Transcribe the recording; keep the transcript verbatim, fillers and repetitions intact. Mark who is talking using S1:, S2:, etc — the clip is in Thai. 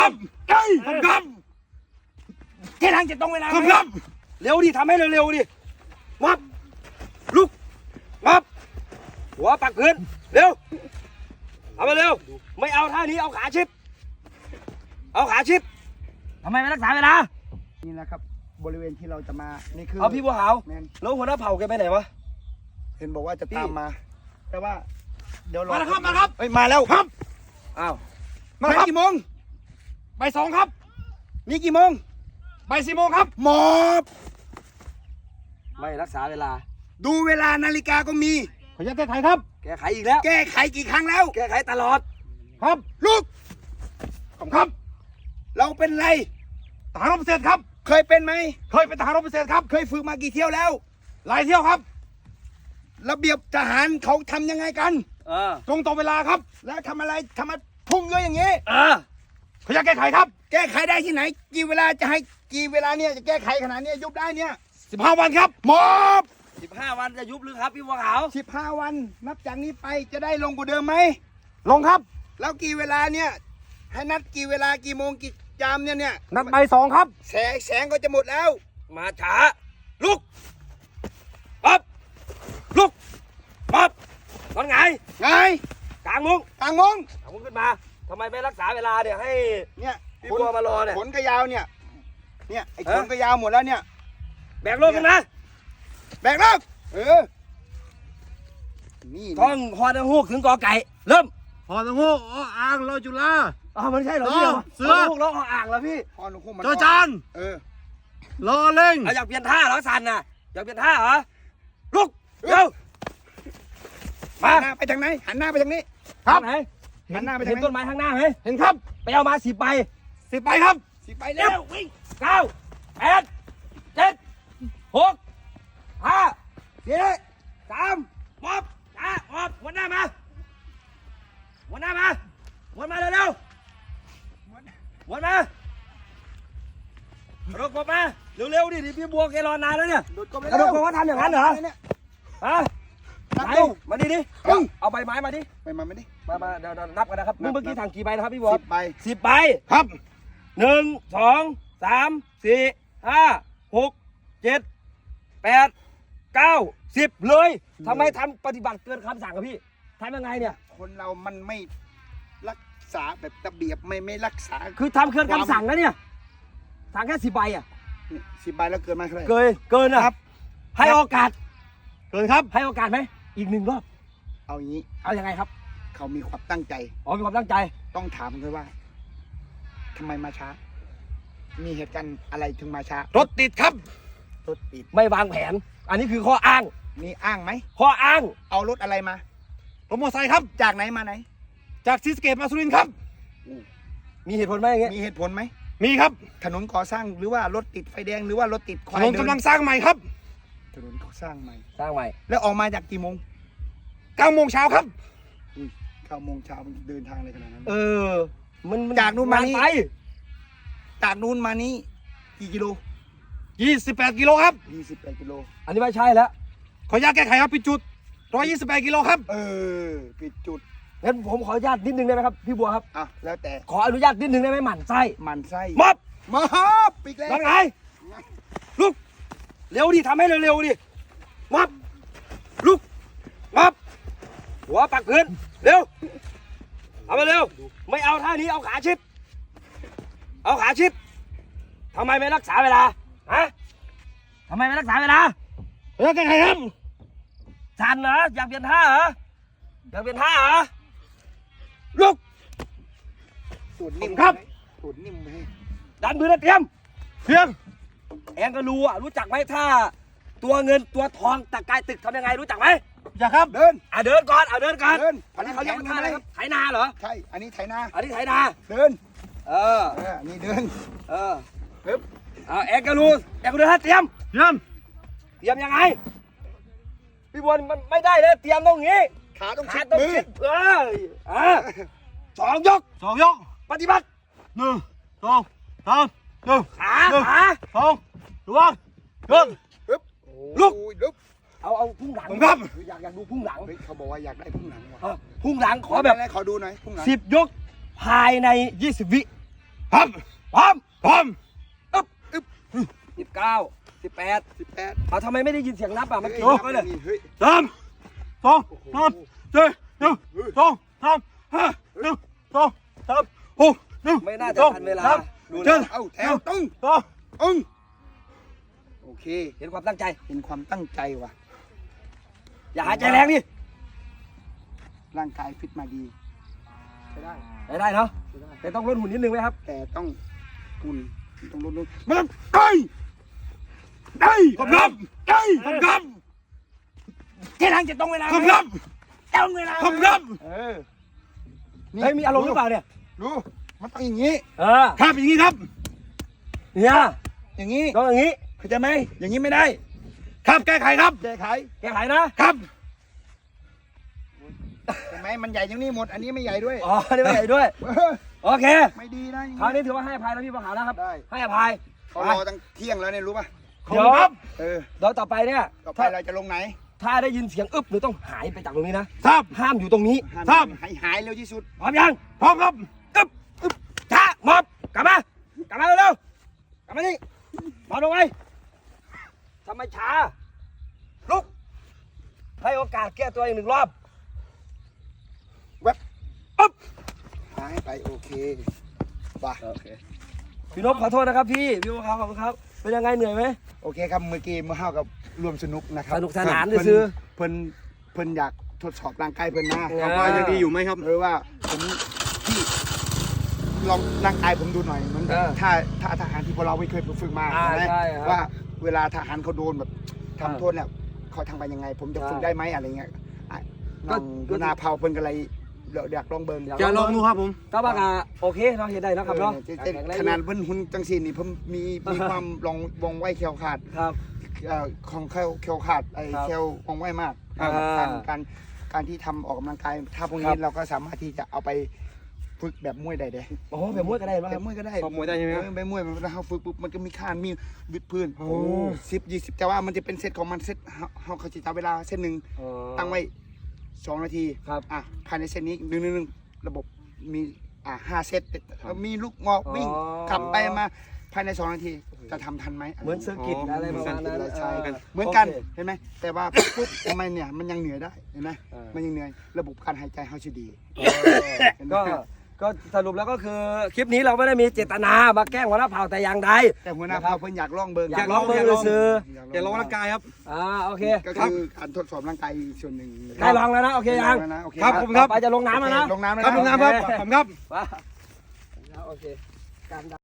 S1: ครับครับแค่ทางจะตรงเวลาครับเร็วดิทำให้เร็วๆดิวับลุกวับหัวปักพื้นเร็วเอามาเร็วไม่เอาท่านี้เอาขาชิบเอาขาชิบทำไมไม่รักษาเวลา
S2: นี่นะครับบริเวณที่เราจะมานี่คือ
S1: เอาพี่บัวขาว
S2: แมน
S1: แล้วหัวหน้าเผ่าแกไปไหนวะ
S2: เห็นบอกว่าจะตามมาแต่ว่าเดี๋ยวรอ
S1: มาแล้วครับมาครับ
S2: เอ้ยมาแล้วครับ
S1: อ้าว
S2: มาครับกี่โมง
S1: บ่ายสองครับ
S2: นี่กี่โมง
S1: บ่ายสี่โมงครับ
S2: หมอบ
S1: ไม่รักษาเวลา
S2: ดูเวลานาฬิกาก็มี
S1: ขออนุญาตแก้ไขครับแก้ไขอีกแล้ว
S2: แก้ไขกี่ครั้งแล้ว
S1: แก้ไขตลอดครับ
S2: ลูก
S1: ผมครับ
S2: เราเป็นไร
S1: ทหารรบพิเศษครับ
S2: เคยเป็นไหม
S1: เคยเป็นทหารรบพิเศษครับ
S2: เคยฝึกมากี่เที่ยวแล้ว
S1: หลายเที่ยวครับ
S2: ระเบียบทหารเขาทำยังไงกัน
S1: เออ
S2: ตรงต่อเวลาครับ แล้วทำอะไรทำไมพุ่งเยอะอย่างนี้
S1: เออขออนุญาตแก้ไขครับ
S2: แก้ไขได้ที่ไหน กี่เวลาจะให้กี่เวลาเนี่ยจะแก้ไขขนาดเนี้ยยุบได้เนี่ย
S1: สิบห้าวันครับ
S2: หมอบ
S1: สิบห้าวันจะยุบหรือครับพี่บัวขาว
S2: สิบห้าวันนับจากนี้ไปจะได้ลงกว่าเดิมไหม
S1: ลงครับ
S2: แล้วกี่เวลาเนี่ยให้นัดกี่เวลากี่โมงกี่ยามเนี่ยเนี่ย
S1: นัดบ่ายสองครับ
S2: แสงแสงก็จะหมดแล้ว
S1: มาช้าลุกปั๊บลุกปั๊บนอนไง
S2: ไง
S1: กลางมุ้ง
S2: กลางมง
S1: กลางมุ้งขึ้นมาทำไมไม่รักษาเวลาเนี่ยให้
S2: เนี่ย
S1: พี่บัวมารอเนี่ย
S2: ขนกระยาวเนี่ยเนี่ยไอ้
S1: เอ๊ะ
S2: ขนกระยาวหมดแล้วเนี่ย
S1: แบกโลกขึ้นนะ
S2: แบกแล้วเออนี่
S1: ท่องฮอนังฮูกถึงกอไก่เริ่ม
S3: พอตังหูอ๋ออ่างรอจุฬา
S1: อ๋อมันใช่เหรอพี่
S3: ต่อเสือ
S1: ฮอนังฮูกร้องอ่างเหรอพี่
S2: พอหนูคุ้มมัน
S3: จอจาน
S2: เออ
S3: รอเล่ง
S1: เอาอยากเปลี่ยนท่าเหรอสันน่ะอยากเปลี่ยนท่าเหรอลุกเร็วมา
S2: หันหน้าไปทางไหนหันหน้าไปทางนี้
S1: ครับไหน
S2: หันหน้าไปทาง
S1: เห็น
S2: ไหน
S1: ต้นไม้ข้างหน้าไหม
S3: เห็นครับ
S1: ไปเอามาสิบใบสิบใบครับ
S2: สิไป
S1: เร็
S2: แล้ว
S1: ววิ่งเก้าแปดเจ็ดหกห้าสี่สามมอบจ้ามอบหัวหน้ามาหัวหน้ามาหัวมาเร็วๆหัวมารถกบมาเร็วๆดิดิพี่บัวแกรอนานแล้วเนี่ย
S2: โดดกบไป
S1: กระโดดกบว่าทำอย่างนั้นเหรอ
S2: เนี่ย
S1: ฮะ
S2: นับ
S1: ไหน
S2: ดู
S1: มาดิดิ
S2: ปึ้ง
S1: เอาใบไม้มาดิ
S2: ไปมาไม่ดิ
S1: มามาเดี๋ยวเดี๋ยวนับกันนะครับ
S2: นับ
S1: เมื่อกี้ถังกี่ใบนะครับพี่บัว
S2: สิบใบ
S1: สิบใบ
S2: ครับ
S1: หนึ่งสองสามสี่ห้าหกเจ็ดแปดเก้าสิบเลยทำไมทำปฏิบัติเกินคำสั่งกับพี่ทำยังไงเนี่ย
S2: คนเรามันไม่รักษาแบบระเบียบไม่ไม่รักษา
S1: คือทำเกินคำสั่งนะเนี่ยสั่งแค่สิบใบอ่ะ
S2: สิบใบแล้วเกินมาเท่าไหร่
S1: เกินเกินอ่ะ
S2: ครับ
S1: ให้โอกาส
S3: เกินครับ
S1: ให้โอกาสไหมอีกหนึ่งรอบ
S2: เอาอย่างนี้
S1: เอายังไงครับ
S2: เขามีความตั้งใจ
S1: อ๋อมีความตั้งใจ
S2: ต้องถามเลยว่าทำไมมาช้า มีเหตุการณ์อะไรถึงมาช้าร
S3: ถติดครับ
S2: รถติด
S1: ไม่วางแผน อันนี้คือข้ออ้าง
S2: มีอ้างไหม
S1: ข้ออ้าง
S2: เอารถอะไรมา
S3: รถมอเตอร์ไซค์ครับ
S2: จากไหนมาไหน
S3: จากศรีสะเกษมาสุรินทร์ครับ
S1: มีเหตุผลไหมอย่างเงี้ย
S2: มีเหตุผลไหม
S3: มีครับ
S2: ถนนก่อสร้างหรือว่ารถติดไฟแดงหรือว่ารถติดควา
S3: ถ
S2: ย
S3: นน
S2: เดิ
S3: กำลังสร้างใหม่ครับ
S2: ถนนก่อสร้างใหม่
S1: สร้างใหม่
S2: แล้วออกมาจากกี่โมง
S3: เก้าโมงเช้าครับ
S2: อุ้ยเก้าโมงเช้าเดินทางอะไรขนาดนั้น
S1: เออ มันมั
S2: จากนู่นมานี่
S1: ไป
S2: จากนู้นมานี้กี่กิโล
S3: ยี่สิบแปดกิโลครับ
S2: ยี่สิบแปดกิโล
S1: อันนี้ไม่ใช่แล้ว
S3: ขออนุญาตแก้ไขครับปิดจุดหนึ่งร้อยยี่สิบแปดกิโลครับ
S2: เออปิดจุด
S1: งั้นผมขออนุญาตนิดนึงได้ไหมครับพี่บัวครับ
S2: อ่ะแล้วแต่
S1: ขออนุญาตนิดนึงได้ไหมหมั่นไส้
S2: มันไส้
S1: มอบ
S2: มาครับปิดแล้ว
S1: นั่นไงลุกเร็วดิทำให้เร็วๆดิมอบลุกมอบหัวปักพื้นเร็วเอามาเร็วไม่เอาท่านี้เอาขาชิบเอาขาชิบทำไมไม่รักษาเวลาฮะทำไมไม่รักษาเวลา
S3: ขออนุญาตแก้ไขครับ
S1: ชันเหรออยากเปลี่ยนท่าเหรออยากเปลี่ยนท่าเหรอลุก
S2: ตูดนิ่ม
S3: ครับ
S2: ตูดนิ่มเลย
S1: ดันมือนะเตรียม
S3: เพียง
S1: แองก็รู้อ่ะรู้จักไหมท่าตัวเงินตัวทองตะกายตึกทำยังไงรู้จักไหม
S3: อย่าครับ
S2: เดิน
S1: อ่ะเดินก่อนอ่ะเดินก่อน
S2: เดิน
S1: อันนี้เขาเรียกว่าท่าอะไรครับไถนาเหรอ
S2: ใช่ อันนี้ไถนา
S1: อันนี้ไถนา
S2: เดิน
S1: เออ
S2: เออ นี่เดิน
S1: เออ
S2: ปึ๊บ
S1: เอาแองก็รู้แองก็เดินท่าเตรียม
S3: เยี่ยม
S1: เตรียมยังไงพี่บอลมันไม่ได้เลยเตรียมตรงนี้
S2: ขาต้อง
S1: ขา
S2: ชิด
S1: ต้อง
S2: มือ
S1: ชิดเออเออสองยก
S3: สองยก
S1: ปฏิบัติ
S3: หนึ่งสองสามหนึ่ง
S1: ขา
S3: หนึ่ง
S1: ขา
S3: สองระวังเดิน
S2: ปึ๊บ
S1: ลุก
S2: โอ้ยลุก
S1: เอาเอาพุ่งหลัง
S3: ผมครับ
S1: อยากอยากดูพุ่งหลัง
S2: เฮ้ยเขาบอกว่าอยากได้พุ่งหลังว่ะ
S1: เออพุ่งหลังขอแบบ
S2: ไหนๆขอดูหน่อยพุ่งหลัง
S1: สิบยกภายในยี่สิบวิครับพร้อมพร้อม
S2: อึ๊บอึ๊บ
S1: สิบเก้าสิบแปด
S2: สิบแปด
S1: เอาทำไมไม่ได้ยินเสียงนับอ่ะเมื่อกี้
S2: เฮ้ย
S1: นับไว้เลย
S2: เฮ้ย
S3: สามสองสามสี่หนึ่งสองสามห้าหนึ่งสองสามหกหนึ่ง
S1: ไม่น่าจะทันเวลา
S3: สาม
S1: ดู
S3: เจ็
S1: นะ
S3: ด
S2: เอาแถวตึ้ง
S3: สอง
S2: อึ้งโอเค
S1: เห็นความตั้งใจ
S2: เป็นความตั้งใจว่ะ
S1: อย่าหายใจแรงดิ
S2: ร่างกายฟิตมาดีใช้ได้
S1: ได้ได้เนาะ
S2: ใช้ได้
S1: แต่ต้องลดหุ่นนิดนึงไหมครับ
S2: แต่ต้องคุณต้องลดลงมันต้องได้ได้
S3: ขอบคุณครับได้ขอบคุณครับ
S2: แค่ทางจะตรงเวลา
S3: ขอบคุณครับ
S2: ตรงเวลา
S3: ขอบคุณครับ
S2: เออ
S1: เฮ้ยมีอารมณ์หรือเปล่าเนี่ย
S2: ดูมันต้องอย่างนี้
S1: เออ
S3: ครับอย่างนี้ครับ
S1: เนี่ย
S2: อย่างนี้
S1: ต้องอย่างนี้
S2: เข้าใจไหมอย่างนี้ไม่ได้
S3: ครับแก้ไขครับ
S2: แก้ไข
S1: แก้ไขนะครับ
S2: เห็นไหมมันใหญ่อย่างนี้หมด อันนี้ไม่ใหญ่ด้วย
S1: อ๋อนี่ไม่ใหญ่ด้วย
S2: เออ
S1: โอเค
S2: ไม่ดีนะอย่าง
S1: คราว
S2: นี้
S1: นี้ถือว่าให้อภัยแล้วพี่ประหารนะครับ
S2: ได้
S1: ให้อภัย
S2: เขารอตั้งเที่ยงแล้วเนี่ยรู้ป่ะ
S3: ขอบคุณครับ
S2: เออ
S1: เดี๋ยวต่อไปเนี่ย
S2: ต่อไป
S1: ถ้า
S2: เราจะลงไหน
S1: ถ้าได้ยินเสียงอึ๊บหรือต้องหายไปจากตรงนี้นะครับ ห้ามอยู่ตรงนี้
S3: ครับ
S2: หายหายเร็วที่สุด
S1: พร้อมยัง
S3: พร้อมครับ
S1: อึ๊บอึ๊บช้ามอบกลับมากลับมาเร็วๆกลับมานี่มอบลงไปทำไมช้าลุกให้โอกาสแก้ตัวอีกหนึ่งรอบ
S2: แวบ
S1: อึ๊บ
S2: หายไปโอเคป่ะ
S1: โอเคพี่นพขอโทษนะครับพี่พี่บัวขาวขอบคุณครับเป็นยังไงเหนื่อยไหม
S2: โอเคครับเมื่อกี้มาเข้ากับรวมสนุกนะครับ
S1: สนุกสนาน
S2: เพิ่
S1: ซื้อ
S2: เพิ่นเพิ่นอยากทดสอบร่างกายเพิ่นนะ
S1: เออ
S2: ว่ายังดีอยู่ไหมครับหรือว่าผมที่ลองร่างกายผมดูหน่อยมันแบบถ้าถ้าทหารที่พวกเราไม่เคยฝึกมา
S1: อ่า
S2: ใช่ไหม
S1: ใช่ครับ
S2: ว่าเวลาทหารเขาโดนแบบ
S1: อ่า
S2: ทำโทษเนี่ยเขาทำไปยังไง ผมจะ
S1: ใช่
S2: ฝึกได้ไหมอะไรเงี้ยอ่ะน้อง
S1: ก็
S2: ดูนาเผาเพิ่นก็เลยอยากลองเบิ่ง
S3: จะลองดูครับผม
S1: ก็ว่ากะโอเคเราเห็นได้นะครับเนาะ
S2: เออแต่แต่ขนาดเพิ่นหุ่นจังซี่นี่ผมมีมีความลองวงไวแคล้วขาด
S1: ครับ
S2: เอ่อของแคลแคลขาดไอ้
S1: ครับ
S2: แคลวงไวมาก
S1: อ่า
S2: การการการที่ทำออกกำลังกายถ้าพวก
S1: ครั
S2: นี้
S1: บ
S2: เราก็สามารถที่จะเอาไปฝึกแบบมวยได้เด้
S1: โอ้แบบมวยก็ได้ไหมค
S2: แบ
S1: รับบ
S2: มวยก็ได้
S3: ซ้อมมวยได้ใช่ไหมครับ
S2: เออแบบมวยมันเราฝึกปุ๊บมันก็มีคานมีวิดพื้น
S1: โอ้
S2: สิบยี่สิบแต่ว่ามันจะเป็นเซตของมันเซตเฮาเฮาเขาจะจับเวลาเซตหนึ่ง
S1: อ๋อ
S2: ตั้งไว้สองนาที
S1: ครับ
S2: อ่ะภายในเซตนี้หนึ่งหนึ่งหนึ่งระบบมีอ่ะห้าเซตมีลูกงอกวิ่ง
S1: อ๋อ
S2: ขับไปมาภายในสองนาทีจะทำทันไหม
S1: เหมือนเซอร์กิตอะไรประมาณนั้น
S2: ใช่
S1: เออ
S2: เหมือนกัน
S1: โค
S2: เห็นไหมแต่ว่า ปุ๊บทำไมเนี่ยมันยังเหนื่อยได้เห็นไหม
S1: เออ
S2: มันยังเหนื่อยระบบการหายใจเขาจะดี
S1: ก็ก็สรุปแล้วก็คือคลิปนี้เราไม่ได้มีเจตนามาแกล้งหัวหน้าเผ่าแต่อย่างใด
S2: แต่หัวหน้าเผ่าเพิ่นอยากลองเบิง
S1: อยากลองเบิ่งซื้อ
S3: เดี๋ยวลองร่างกายครับ
S1: อ่าโอเค
S2: ก็คือการทดสอบร่างกายอีกส่วนหนึ่ง
S1: ได้ลองแล้วนะโอเคยัง
S2: ได้ลนะโอเค
S3: ครับผมครับ
S1: ต่อไปจะลงน้ำแล้วนะ
S2: ลงน้ำแล้ว
S3: ครับ
S2: นะ
S3: ลุงน้ำครับผมครับ
S1: ว้าโอเคการ